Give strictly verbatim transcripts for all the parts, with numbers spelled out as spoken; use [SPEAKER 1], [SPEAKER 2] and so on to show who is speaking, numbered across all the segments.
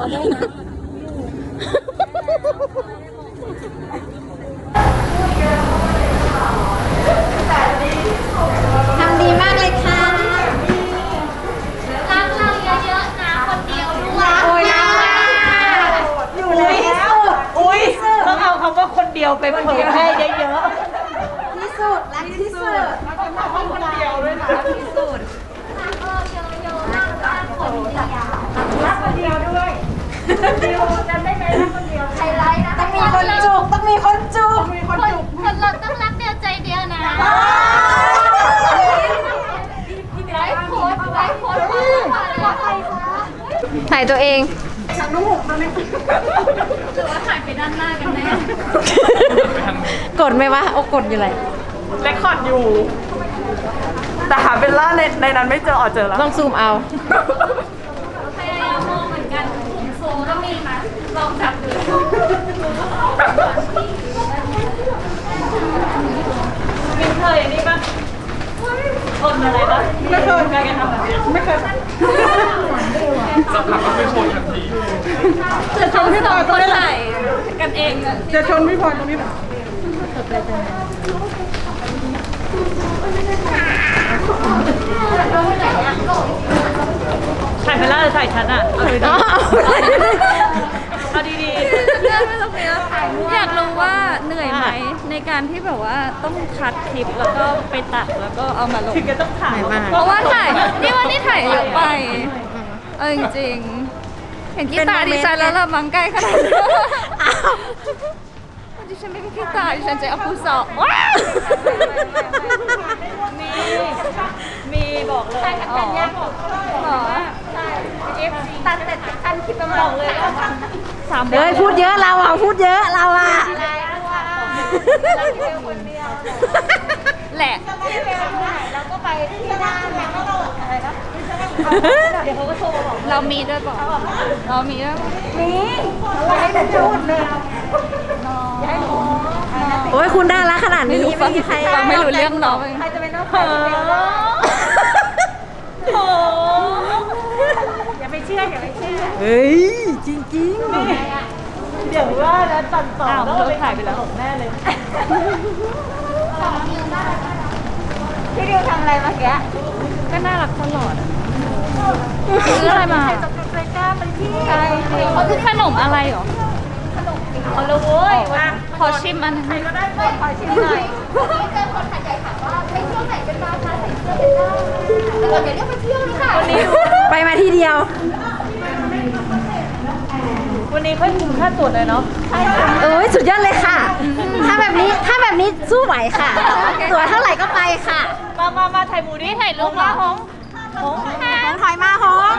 [SPEAKER 1] ทำดีมากเลยค่ะ
[SPEAKER 2] รักเราเยอะๆนะคนเดียวด้วย
[SPEAKER 1] โอ้ยนะอยู่แล้วอุ้ยต้องเอาคำว่าคนเดียวไปเผยแพร่เยอะๆที่สุดรักที่สุดคนเดียวด้วยนะที่สุด
[SPEAKER 2] รักเราเยอะๆมากๆคนเดียว
[SPEAKER 1] รักคนเดียวด้วยคนเดียวจำได้ไหมรักคนเดียว
[SPEAKER 2] ไฮไลท์นะ
[SPEAKER 1] ต้องมีคนจุกต้องมีคนจุกมีคนจุก
[SPEAKER 2] คนเราต้องรักเดียวใจเดียวนะไลฟ์โพสไลฟ์โพสว่าใครคะ
[SPEAKER 1] ถ่ายตัวเอง
[SPEAKER 2] ฉันรู้มันไม่หรือว่าถ่ายไปด้านหน้ากันแน่
[SPEAKER 1] กดไหมวะโอ้กดอยู่เลย
[SPEAKER 3] เรคคอร์ดอยู่แต่หาเบลล่าในในนั้นไม่เจออ๋อเจอแล้ว
[SPEAKER 1] ต้องซูมเอา
[SPEAKER 2] พยายามมองเหมือนกันโซ่ก็มีนะลองจับดู
[SPEAKER 3] มินเคยนี่ปะทนอะไรปะไม่เคยการกันทำแบบนี้ไม่เคย
[SPEAKER 4] สักพักก็ไม่ชนทันที
[SPEAKER 3] จะชนพี่พลอยตรงนี้แหละ
[SPEAKER 2] กันเอง
[SPEAKER 3] จะชนพี่พลอยตรงนี้แหละถ่ายเบลล่าหรือถ่ายฉันอ่ะเอาดีๆเอาดีๆ
[SPEAKER 2] เลื่อนไปตรงนี้อยากรู้ว่าเหนื่อยไหมในการที่แบบว่าต้องคัดคลิปแล้วก็ไปตัดแล้วก็เอามาลง
[SPEAKER 3] ถึงจะต้องถ่าย
[SPEAKER 2] เพราะว่าถ่ายนี่ว่านี่ถ่ายเยอะไปเออจริงๆเห็นขี้ตาดิฉันแล้วละมังใกล้ขนาดนี้ดิฉันไม่มีขี้ตาดิฉันจะเอาผู้สอบ
[SPEAKER 3] มีมีบอกเลย
[SPEAKER 2] อ๋อหรอใช่เอฟซีตัดเสร็จทันคลิปมาบอกเลย
[SPEAKER 1] สามเฮ้ยพูดเยอะเราอ่ะพูดเยอะเราอ่ะ
[SPEAKER 2] แหละ
[SPEAKER 1] เราก็ไปที่ด้านแล้วก็อะไรนะ
[SPEAKER 2] เดี๋ยวเขาก็โทรมาบอกเรามีด้วยบอกเรามีด้วย
[SPEAKER 1] มีอะไรให้มันพูดเลยโอ้ยคุณได้ละขนาดนี้ไม่มีใคร
[SPEAKER 2] ฟังไม่รู้เรื่องน้อง
[SPEAKER 1] ใครจะเป็นน้องใคร
[SPEAKER 3] โอ้อย่าไปเชื่ออย่าไปเชื่อ
[SPEAKER 1] เฮ้ยจริงจริง
[SPEAKER 3] เดี๋ยวว่าแล้วตัดต่อแล้วไปถ่ายไปแล้วแน่เลย
[SPEAKER 1] พี่ดิวทำอะไรเมื่อกี้
[SPEAKER 2] ก็น่ารักตลอดซื้ออะไรมาใช่เขาคือขนมอะไรหรอ
[SPEAKER 3] ขนมเอาเลยเว้ย
[SPEAKER 2] ขอชิมอันนึง
[SPEAKER 3] ก็ได้ขอชิมหน่อย
[SPEAKER 2] วันนี้เจอคนถ่ายใหญ่ถามว่าไปเที่ยวไหนกันมาคะใส่เสื้อเป็นได้แต่ก่อนเดี๋ยวเรียกไปเที่ยวนี่ค่ะ
[SPEAKER 3] วันนี้
[SPEAKER 1] ไปมาทีเดียว
[SPEAKER 3] วันนี้ค่อยคุ้มค่าตั๋วเลยเนาะ
[SPEAKER 1] เอ้ยสุดยอดเลยค่ะถ้าแบบนี้ถ้าแบบนี้สู้ไหวค่ะตั๋วเท่าไหร่ก็ไปค่ะ
[SPEAKER 3] มามามาถ่ายหมูดิถ่ายรูปมาหง
[SPEAKER 1] หงหงถอยมาหง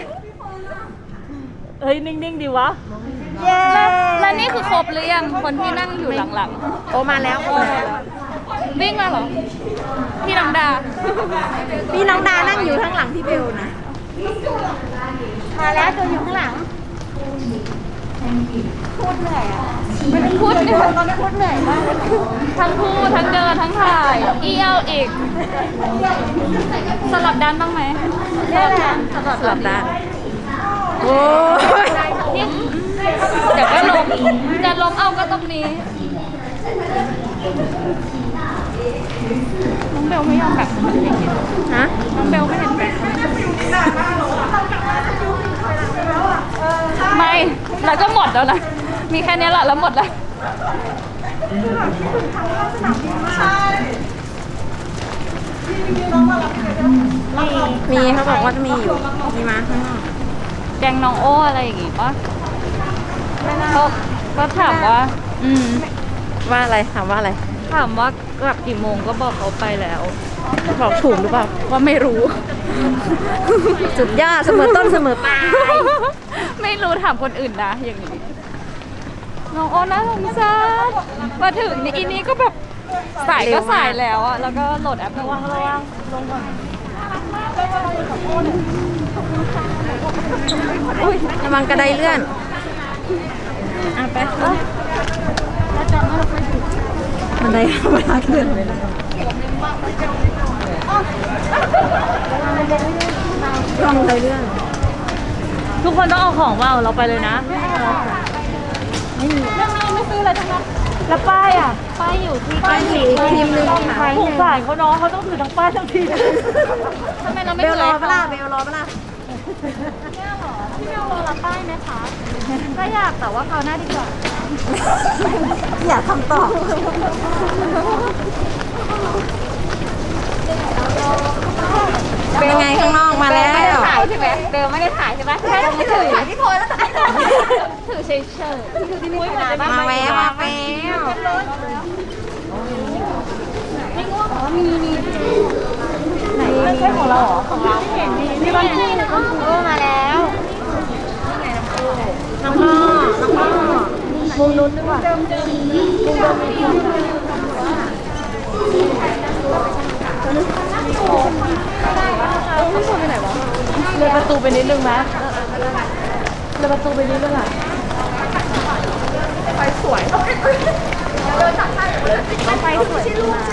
[SPEAKER 3] เฮ้ยนิ่งๆดีวะ
[SPEAKER 1] เย้
[SPEAKER 2] แล้วนี่คือครบหรือยังคนที่นั่งอยู่หลัง
[SPEAKER 1] ๆโอ้มาแล้ว
[SPEAKER 2] วิ่งมาเหรอพี่น้องดา
[SPEAKER 1] พี่น้องดานั่งอยู่ข้างหลังพี่เบลนะมาแล้วตัวอยู่ข้างหลังพูดเหนื่อยอ่ะ
[SPEAKER 2] พูดเหนื่อย
[SPEAKER 1] ตอนนี้พูดเหนื่อยมาก
[SPEAKER 2] ทั้งพูดทั้งเดินทั้งถ่ายเอี้ยวอีกสลับด้านบ้างไหม
[SPEAKER 1] นี่แหละสลับด้านโอ้
[SPEAKER 2] ยเดี๋ยวก็ล้มจะล้มเอาก็ตรงนี้น้องเบลไม่ยอมแบบ
[SPEAKER 1] ฮะ
[SPEAKER 2] น้องเบลไม่เห็นแบบไม่แล้วก็หมดแล้วนะมีแค่นี้แหละแล้วหมดแล้ว
[SPEAKER 1] มีเขาบอกว่าจะมีอยู่มีมาข้างนอก
[SPEAKER 2] แกงน้องโอ้อะไรอย่างงี้ป่ะก็ก็ถามว่าอืม
[SPEAKER 1] ว่าอะไรถามว่าอะไร
[SPEAKER 2] ถามว่ากลับกี่โมงก็บอกเขาไปแล้ว
[SPEAKER 1] บอกถูกหรือเปล่า
[SPEAKER 2] ว่าไม่รู้
[SPEAKER 1] จุดยอดเสมอต้นเสมอปลาย
[SPEAKER 2] ไม่รู้ถามคนอื่นนะอย่างนี้น้องโอ้น่าสงสารมาถึงนี่อีนี้ก็แบบสายก็สายแล้วอะแล้วก็โหลดแอประวังระวังลงก่อน
[SPEAKER 1] อุ้ยระวังกระไดเลื่อนอ่ะไปบันไดเวลาขึ้นลองเลยเลื่อนทุกคนต้องเอาของเปล่าเราไปเลยนะ
[SPEAKER 2] ไม่ไม่ซื้ออะไรทั้งนั้น
[SPEAKER 1] แล้วป้ายอ่ะ
[SPEAKER 2] ป้ายอยู่ที่
[SPEAKER 1] ป้ายสีทีมนึงสงสารเขาเนาะเขาต้องถือทั้งป้ายทั้งทีม
[SPEAKER 2] ทำไมเราไม่
[SPEAKER 1] เบล
[SPEAKER 2] ซื้อ
[SPEAKER 1] รอ
[SPEAKER 2] ให้
[SPEAKER 1] ปะ
[SPEAKER 2] เขา
[SPEAKER 1] ล่ะเบลรอปะล่ะ
[SPEAKER 2] พี่เบลรอรับป้ายไหมคะก็อยากแต่ว่าคราวหน้าดีกว่า
[SPEAKER 1] อยากทำต่อเป็นยังไงข้างนอกมาแล้ว
[SPEAKER 2] ถ่ายใช่ไหมเบลไม่ได้ถ่ายใช่ไหมแค่ไม่ถือถ่ายที่โพสแล้วถ่ายถือเฉยเฉยถือที่นี่ขนาด
[SPEAKER 1] มาแวะมาแวะ
[SPEAKER 2] ไม่ง่วงเหรอมีมี
[SPEAKER 1] ไหนไม่ใช่ของเราเหรอของเราเห็นมีนี่มันคู่เออมาแล้วน้องพ่อน้องพ่อมุมนู้นดีกว่ามุมเดิมมุมเดิมเลยประตูไปนิดนึงไหมเลยประตูไปนิดนึงอ่ะไฟสวยเดินจากข้างเลยไฟสวย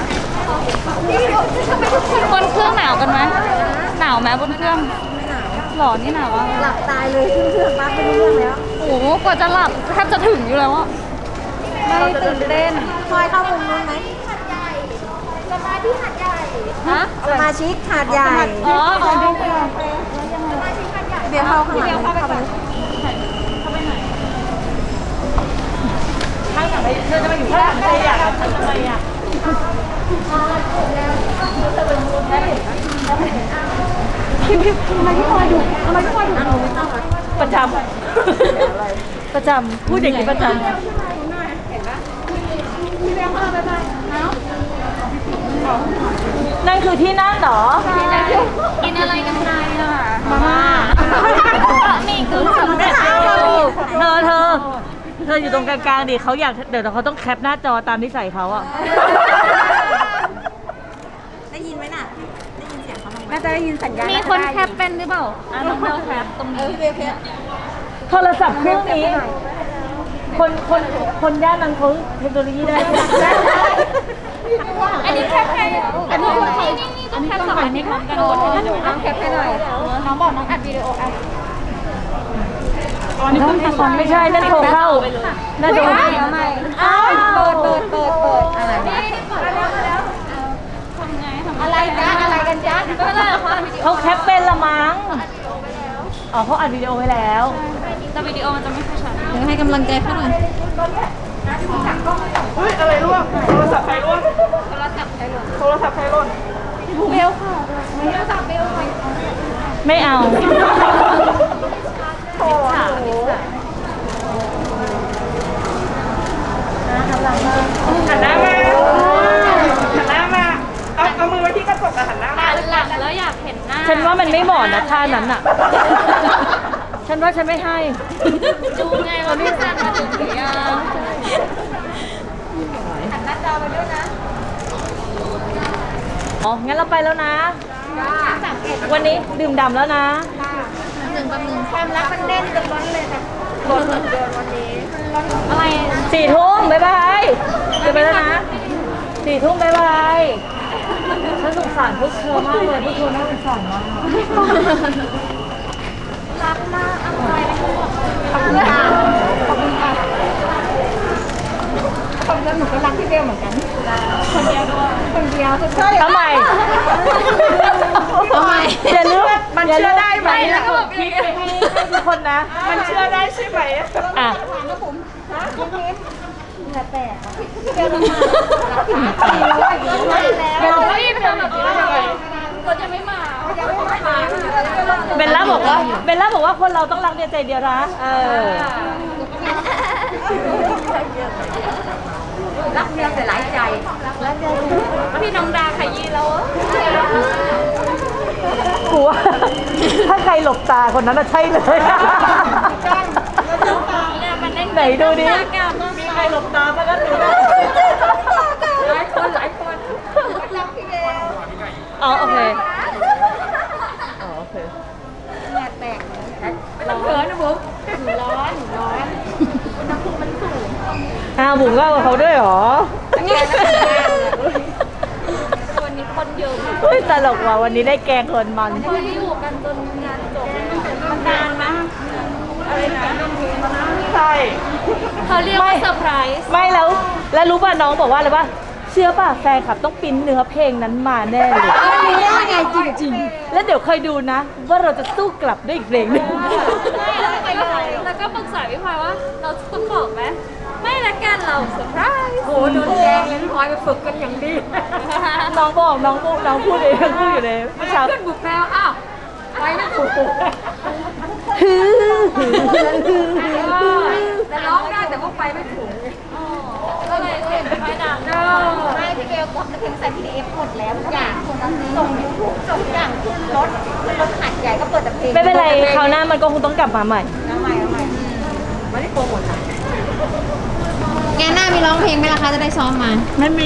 [SPEAKER 2] บนเครื่องหนาวกันไหมหนาวไหมบนเครื่องหล่อนี่หนาวอ่ะ
[SPEAKER 1] หลับตายเลยขึ้นเครื่องปั๊บไม่รู้เรื่องแล้ว
[SPEAKER 2] โอ้โหกว่าจะหลับแทบจะถึงอยู่แล้วอ่ะไม่ตื่นเต้น
[SPEAKER 1] คอยเข้ามุมนู้นไหม
[SPEAKER 2] ฮะ
[SPEAKER 1] สมาชิกหาดใหญ่
[SPEAKER 2] อ๋ออ๋อ
[SPEAKER 1] เบียร์เข้าข้างหลังเข้าไปข้างหลังเธอจะมาอยู่ข้างหลังใครอยากทำทำไมอ่ะพี่พี่ทำไมพี่คอยดูทำไมพี่คอยดูประจำประจำพูดอย่างนี้ประจำนั่นคือที่นั่งเหรอ
[SPEAKER 2] กินอะไรกันไงอ่ะ
[SPEAKER 1] มาม่า
[SPEAKER 2] นี่คือสำ
[SPEAKER 1] เธ
[SPEAKER 2] เร็จรูป
[SPEAKER 1] อเธอ เธออยู่ตรงกลางๆดิเขาอยากเดี๋ยวเขาต้องแคปหน้าจอตามนิสัยเขาอะได้ยินไหมน่ะ ได้ยินเสียงเขาไหมน่าจะได้ยินสัญญาณ
[SPEAKER 2] มีคนแคปเป็นหรือเปล่าอ่ะน้องเบลแคปตรงนี้
[SPEAKER 1] โทรศัพท์เครื่องนี้ คนคนคนย่านนั้นเขาเทคโนโลยีได้
[SPEAKER 2] อันนี้แคปให้อันนี้นี่นี่ก็แคปสองอันนี้พร้อมกันน้องแคปให้หน่อยน้องบอกน้องอัดวิดีโออัด
[SPEAKER 1] ไม่ใช่นั่นโทรเข้านั่นโทรเข้า
[SPEAKER 2] อ้าวเปิดเปิดเปิดเปิดอะไรนี่เปิดแล้วมาแล้วทำไงทำอะไรจ๊ะอะไรกันจ๊ะก็ได้เหรอคะ
[SPEAKER 1] เขาแคปเป็นละมั้งอ๋อเขาอัดวิดีโอไว้แล้ว
[SPEAKER 2] แต่วิดีโอมันจะไม่ค่อยชัด
[SPEAKER 1] เดี๋ยวให้กำลังใจเขาหน่อย
[SPEAKER 4] เฮ้ย อะไรร่วงโทรศัพท์ใครร่วง
[SPEAKER 2] โทรศัพท์ใช้หรอ
[SPEAKER 4] โทรศัพท์ใครร่วง
[SPEAKER 2] เบลค่ะโทรศัพท์เบลค่ะ
[SPEAKER 1] ไม่เอา
[SPEAKER 4] โอ้โหหันหน้ามาหันหน้ามา เอาเอามือไว้ที่กระจกแต่หันหน้ามา
[SPEAKER 2] หันหลังแล้วอยากเห็นหน้า
[SPEAKER 1] ฉันว่ามันไม่เหมาะนะท่านั้นอะฉันว่าฉันไม่ให้
[SPEAKER 2] ดูไงว่าพี่ซันมาถึงหรือยังหันหน้าจอไปด้วยนะ
[SPEAKER 1] อ๋อ งั้นเราไปแล้วนะ วันนี้ดื่มด่ำแล้วนะ
[SPEAKER 2] หนึ่งกับหนึ่งความรักมันเด่นจนร้อนเลยค่ะร้อนเดือนวันนี้อะไร
[SPEAKER 1] สี่ทุ่มบ๊ายบายจะไปแล้วนะ สี่ทุ่มบ๊ายบาย ฉันสงสารพวกเธอมากเลยพวกเธอน่าสงสารมาก
[SPEAKER 2] รักมากอะไรนะ
[SPEAKER 1] ขอบคุณค่ะ
[SPEAKER 2] ขอบคุณค่ะขอบคุณหนูก็รักพี่เบลเหมือนกันคนเดียวด้วยคนเดียวใช่
[SPEAKER 1] ทำไมทำไมอย่าลืม
[SPEAKER 4] มันเชื่อได้ไหม
[SPEAKER 1] แล้วก็คิดไปให้ทุกคนนะ
[SPEAKER 4] มันเชื่อได้ใช่ไหม
[SPEAKER 1] อ่ะ
[SPEAKER 2] เบลไม่เบลแบบนี้ได้ยังไงคนยังไม่มายังไม่มา
[SPEAKER 1] เบลล่าบอกว่าเบลล่าบอกว่าคนเราต้องรักเดียวใจเดียวนะเออ
[SPEAKER 2] รักเดียวแต่หลายใจรักเดียวพี่น้องดาขยี้แล้ว
[SPEAKER 1] กูว่าถ้าใครหลบตาคนนั้นน่ะใช่เลย ไหนดูดิมีใครหลบตาบ้างก็ดูได้
[SPEAKER 2] หลายคนหลายคน
[SPEAKER 1] อ๋อโอเคอ๋อโอเค
[SPEAKER 2] แม่แตกไม่ต้องเขินนะบุ๊กหนูร้อนหนูร้อนอุณหภูมิมันสูง
[SPEAKER 1] อ้าวบุ๋มก็เอาเขาด้วยเหรอ
[SPEAKER 2] วันนี้คนเยอะ
[SPEAKER 1] เฮ้ยตลกว่ะวันนี้ได้แกงคนมัน
[SPEAKER 2] พอที่อยู่กันจนงานจบมันนานมาก
[SPEAKER 4] อะไรนะใช่
[SPEAKER 2] เขาเรียกว่าเซอร์ไพรส์
[SPEAKER 1] ไม่แล้วแล้วรู้ป่ะน้องบอกว่าอะไรป่ะเชื่อป่ะแฟนคลับต้องปริ้นเนื้อเพลงนั้นมาแน่เลยไงจริงๆแล้วเดี๋ยวเคยดูนะ ว่าเราจะสู้กลับด้วยอีกเพลงหนึง
[SPEAKER 2] แล้วก็ปรึกษาพี่พลอยว่าเราต้องบอกไหมไม่ละกันเราเซอร์ไพรส์
[SPEAKER 1] โอ้โดนแกงเลยพี่พลอยไปฝึกกันอย่างดี น้องบอกน้องพูดน้องพูดเองพูดอยู่เลยเมื่อเช้า
[SPEAKER 2] ขึ้นบุกแมวอ้าวไปนะถูก
[SPEAKER 1] ฮือ
[SPEAKER 2] แต่ร้องได้แต่ว่าไปไม่ถูกก็เลยเสียงไม่ดัง
[SPEAKER 5] ไม่พี่เบลกดมาถึงใส่ พี ดี เอฟ หมดแล้วทุกอย่างส่งยูทูบส่งทุกอย่างขึ้นรถรถหัดใหญ่ก็เปิดแต่เพลง
[SPEAKER 1] ไม่เป็นไรคราวหน้ามันก็คงต้องกลับมาใหม่
[SPEAKER 5] เอาใหม่เอาใหม่ไม่ได้โปรโมทงานหน้ามีร้องเพลงไหมล่ะคะจะได้ซ้อมมา
[SPEAKER 1] ไม่มี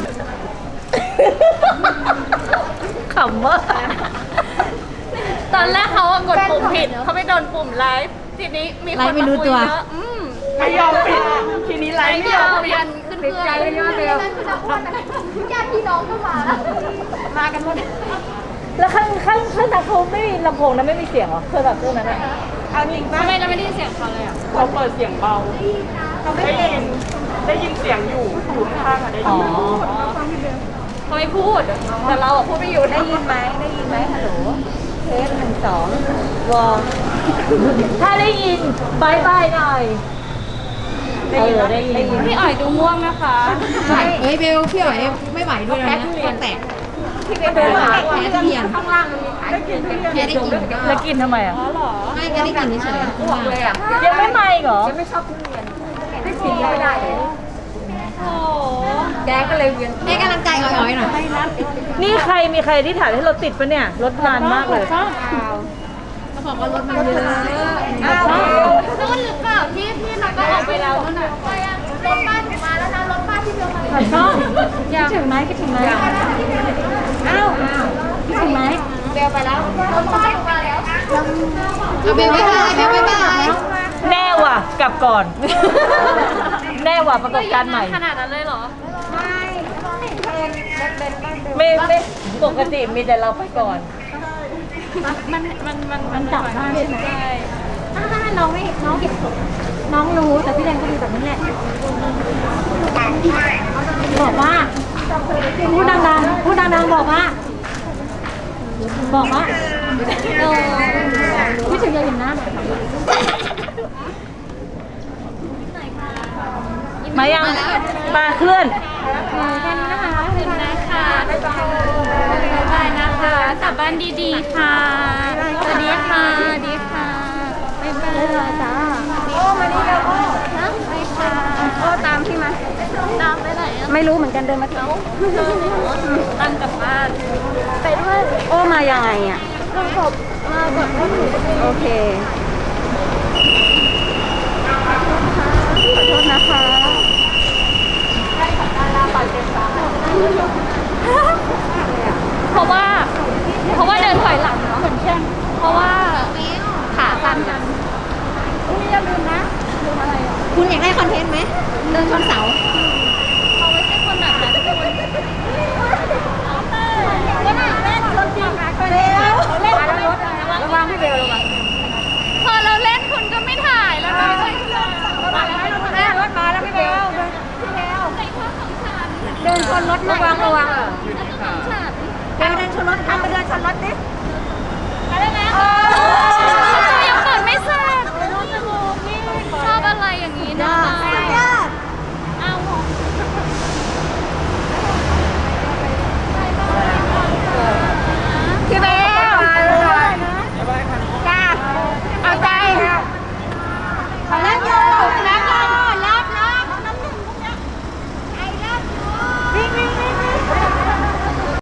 [SPEAKER 1] ขำว่า
[SPEAKER 2] ตอนแรกเขากดปุ่มผิดเขาไปโดนปุ่มไลฟ์ทีนี้มีคน
[SPEAKER 5] ไลฟ์ไม่
[SPEAKER 2] มา
[SPEAKER 5] รู้
[SPEAKER 2] คุย
[SPEAKER 5] ตัว
[SPEAKER 2] เยอะอืม
[SPEAKER 4] ไม่ยอมปิดทีนี้ไลฟ์ไม่
[SPEAKER 2] ไม่
[SPEAKER 4] ย
[SPEAKER 2] ย
[SPEAKER 4] อ
[SPEAKER 2] อ
[SPEAKER 4] ม
[SPEAKER 2] ม
[SPEAKER 4] ปิด
[SPEAKER 2] ยันขึ้นเพื่อน
[SPEAKER 5] ญาติพี่น้องก็มาแล้วมากันหมด
[SPEAKER 1] แล้วข้างข้างข้างทางเขาไม่มีลำโพงนะไม่มีเสียงเหรอเคยแบบพวกนั้นอะ
[SPEAKER 4] เอาจริงป่ะ
[SPEAKER 2] ทำไมเราไม่ได้ยินเสียงเขาเลยอ่ะ
[SPEAKER 4] เราเปิดเสียงเบาได้ยินได้ยินเสียงอยู่อยู่ข้างๆอะได้
[SPEAKER 1] อ๋
[SPEAKER 4] ยิ
[SPEAKER 1] อน
[SPEAKER 2] เขาไม่พูด แต่เราอ่ะพูดไม่อยู่
[SPEAKER 5] ได้ยินไหมได้ยินไหมฮัลโหลเทสหนึ่งสองวอล
[SPEAKER 1] ถ้าได้ยินบายบายหน่อยเออได้ยิน
[SPEAKER 2] พี่อ๋อยดูง่วงนะคะ
[SPEAKER 5] เฮ้ยเบลพี่อ๋อยไม่ไหวด้วยแล้วนะตัวแตกพี่เบลแพ้ทุเรียนข้างล่างมันมีขายแพ้ได้กินก็
[SPEAKER 1] แล้วกินทำไมอ่ะ
[SPEAKER 5] ไม่แค่ได้กินเฉยๆอ้วกเลยอ่ะ
[SPEAKER 1] ยังไม่มาอีกเหรอ
[SPEAKER 5] ไม่กินไม่ได้เลย
[SPEAKER 2] โอ้
[SPEAKER 5] แกก็เลยเวียนให้กำลังใจอ่อยๆหน่อย
[SPEAKER 1] นี่ใครมีใครที่ถ่ายให้เราติดปะเนี่ยรถนานมากเลย
[SPEAKER 5] เขาบอกว่ารถมันเยอะ
[SPEAKER 2] นู่นหรือเปล่าที่ที่เราก็ออกไปแล้วนั่นน่ะ
[SPEAKER 5] รถบ้านถึงมาแล้วนะรถบ้านที่เบลมา
[SPEAKER 1] ขอชอบคิดถึงไหมคิดถึงไหม
[SPEAKER 5] อ้าวคิดถึงไหมเบลไปแล้วรถบ้านมาแล้วเอาเบลไปไหนเบลไปไหน
[SPEAKER 1] แน่ว่ะกลับก่อน แน่ว่ะประกบการณ์ใหม่
[SPEAKER 2] ขนาดนั้นเลยเหรอ
[SPEAKER 1] ไม่ไม่ปกติมีแต่เราไปก่อน
[SPEAKER 2] มันมันมันมันจับได้ใช่ไหม
[SPEAKER 5] น้องไม่น้องเห็นน้องรู้แต่พี่แดงก็ดูแบบนี้แหละบอกว่าพูดดังๆพูดดังๆบอกว่าบอกว่าเออพี่ถึงจะเห็นหน้าหน่อย
[SPEAKER 1] มายังมาเคลื่อน
[SPEAKER 5] แค่นี้นะคะ
[SPEAKER 2] ถึงนะคะบ๊ายบายบ๊ายบายนะคะกลับบ้านดีๆค่ะ สวัสดีค่ะสวัสดีค่ะบ๊ายบายจ้า
[SPEAKER 5] โอ้มานี่แล้วโอ้
[SPEAKER 2] นะไปค่ะ
[SPEAKER 5] โอ้ตามพี่มา
[SPEAKER 2] ตามไปไหนอ่ะ
[SPEAKER 5] ไม่รู้เหมือนกันเดินมาถึง
[SPEAKER 2] ตั้งกลับบ้าน
[SPEAKER 5] ไปด้วยโอ้มายังไงอ่ะมาแบบมาแบบโอเคขอโทษนะคะ
[SPEAKER 2] เพราะว่า เพราะว่าเดินถอยหลังเนาะเหมือนเช่นเพราะว่าขาสั้นกัน
[SPEAKER 5] คุณอย่าลืมนะคุณอยากได้คอนเทนต์ไหมเดินชนเสา
[SPEAKER 2] เขาไม่ใช่คนแบบนั้นคุณ
[SPEAKER 5] เล่นเล่นรถจริงไปแล้วเล่นแล้วรถระวังพี่เบลระวัง
[SPEAKER 2] พอเราเล่นคุณก็ไม่ถ่ายแล้วนะ
[SPEAKER 5] มาแล้วแม่รถมาแล้วพี่เบลพี่เบล
[SPEAKER 2] ในข้อของฉัน
[SPEAKER 5] เดินชนรถระวังระวัง
[SPEAKER 2] ของฉัน
[SPEAKER 5] เบลเดินชนรถใคร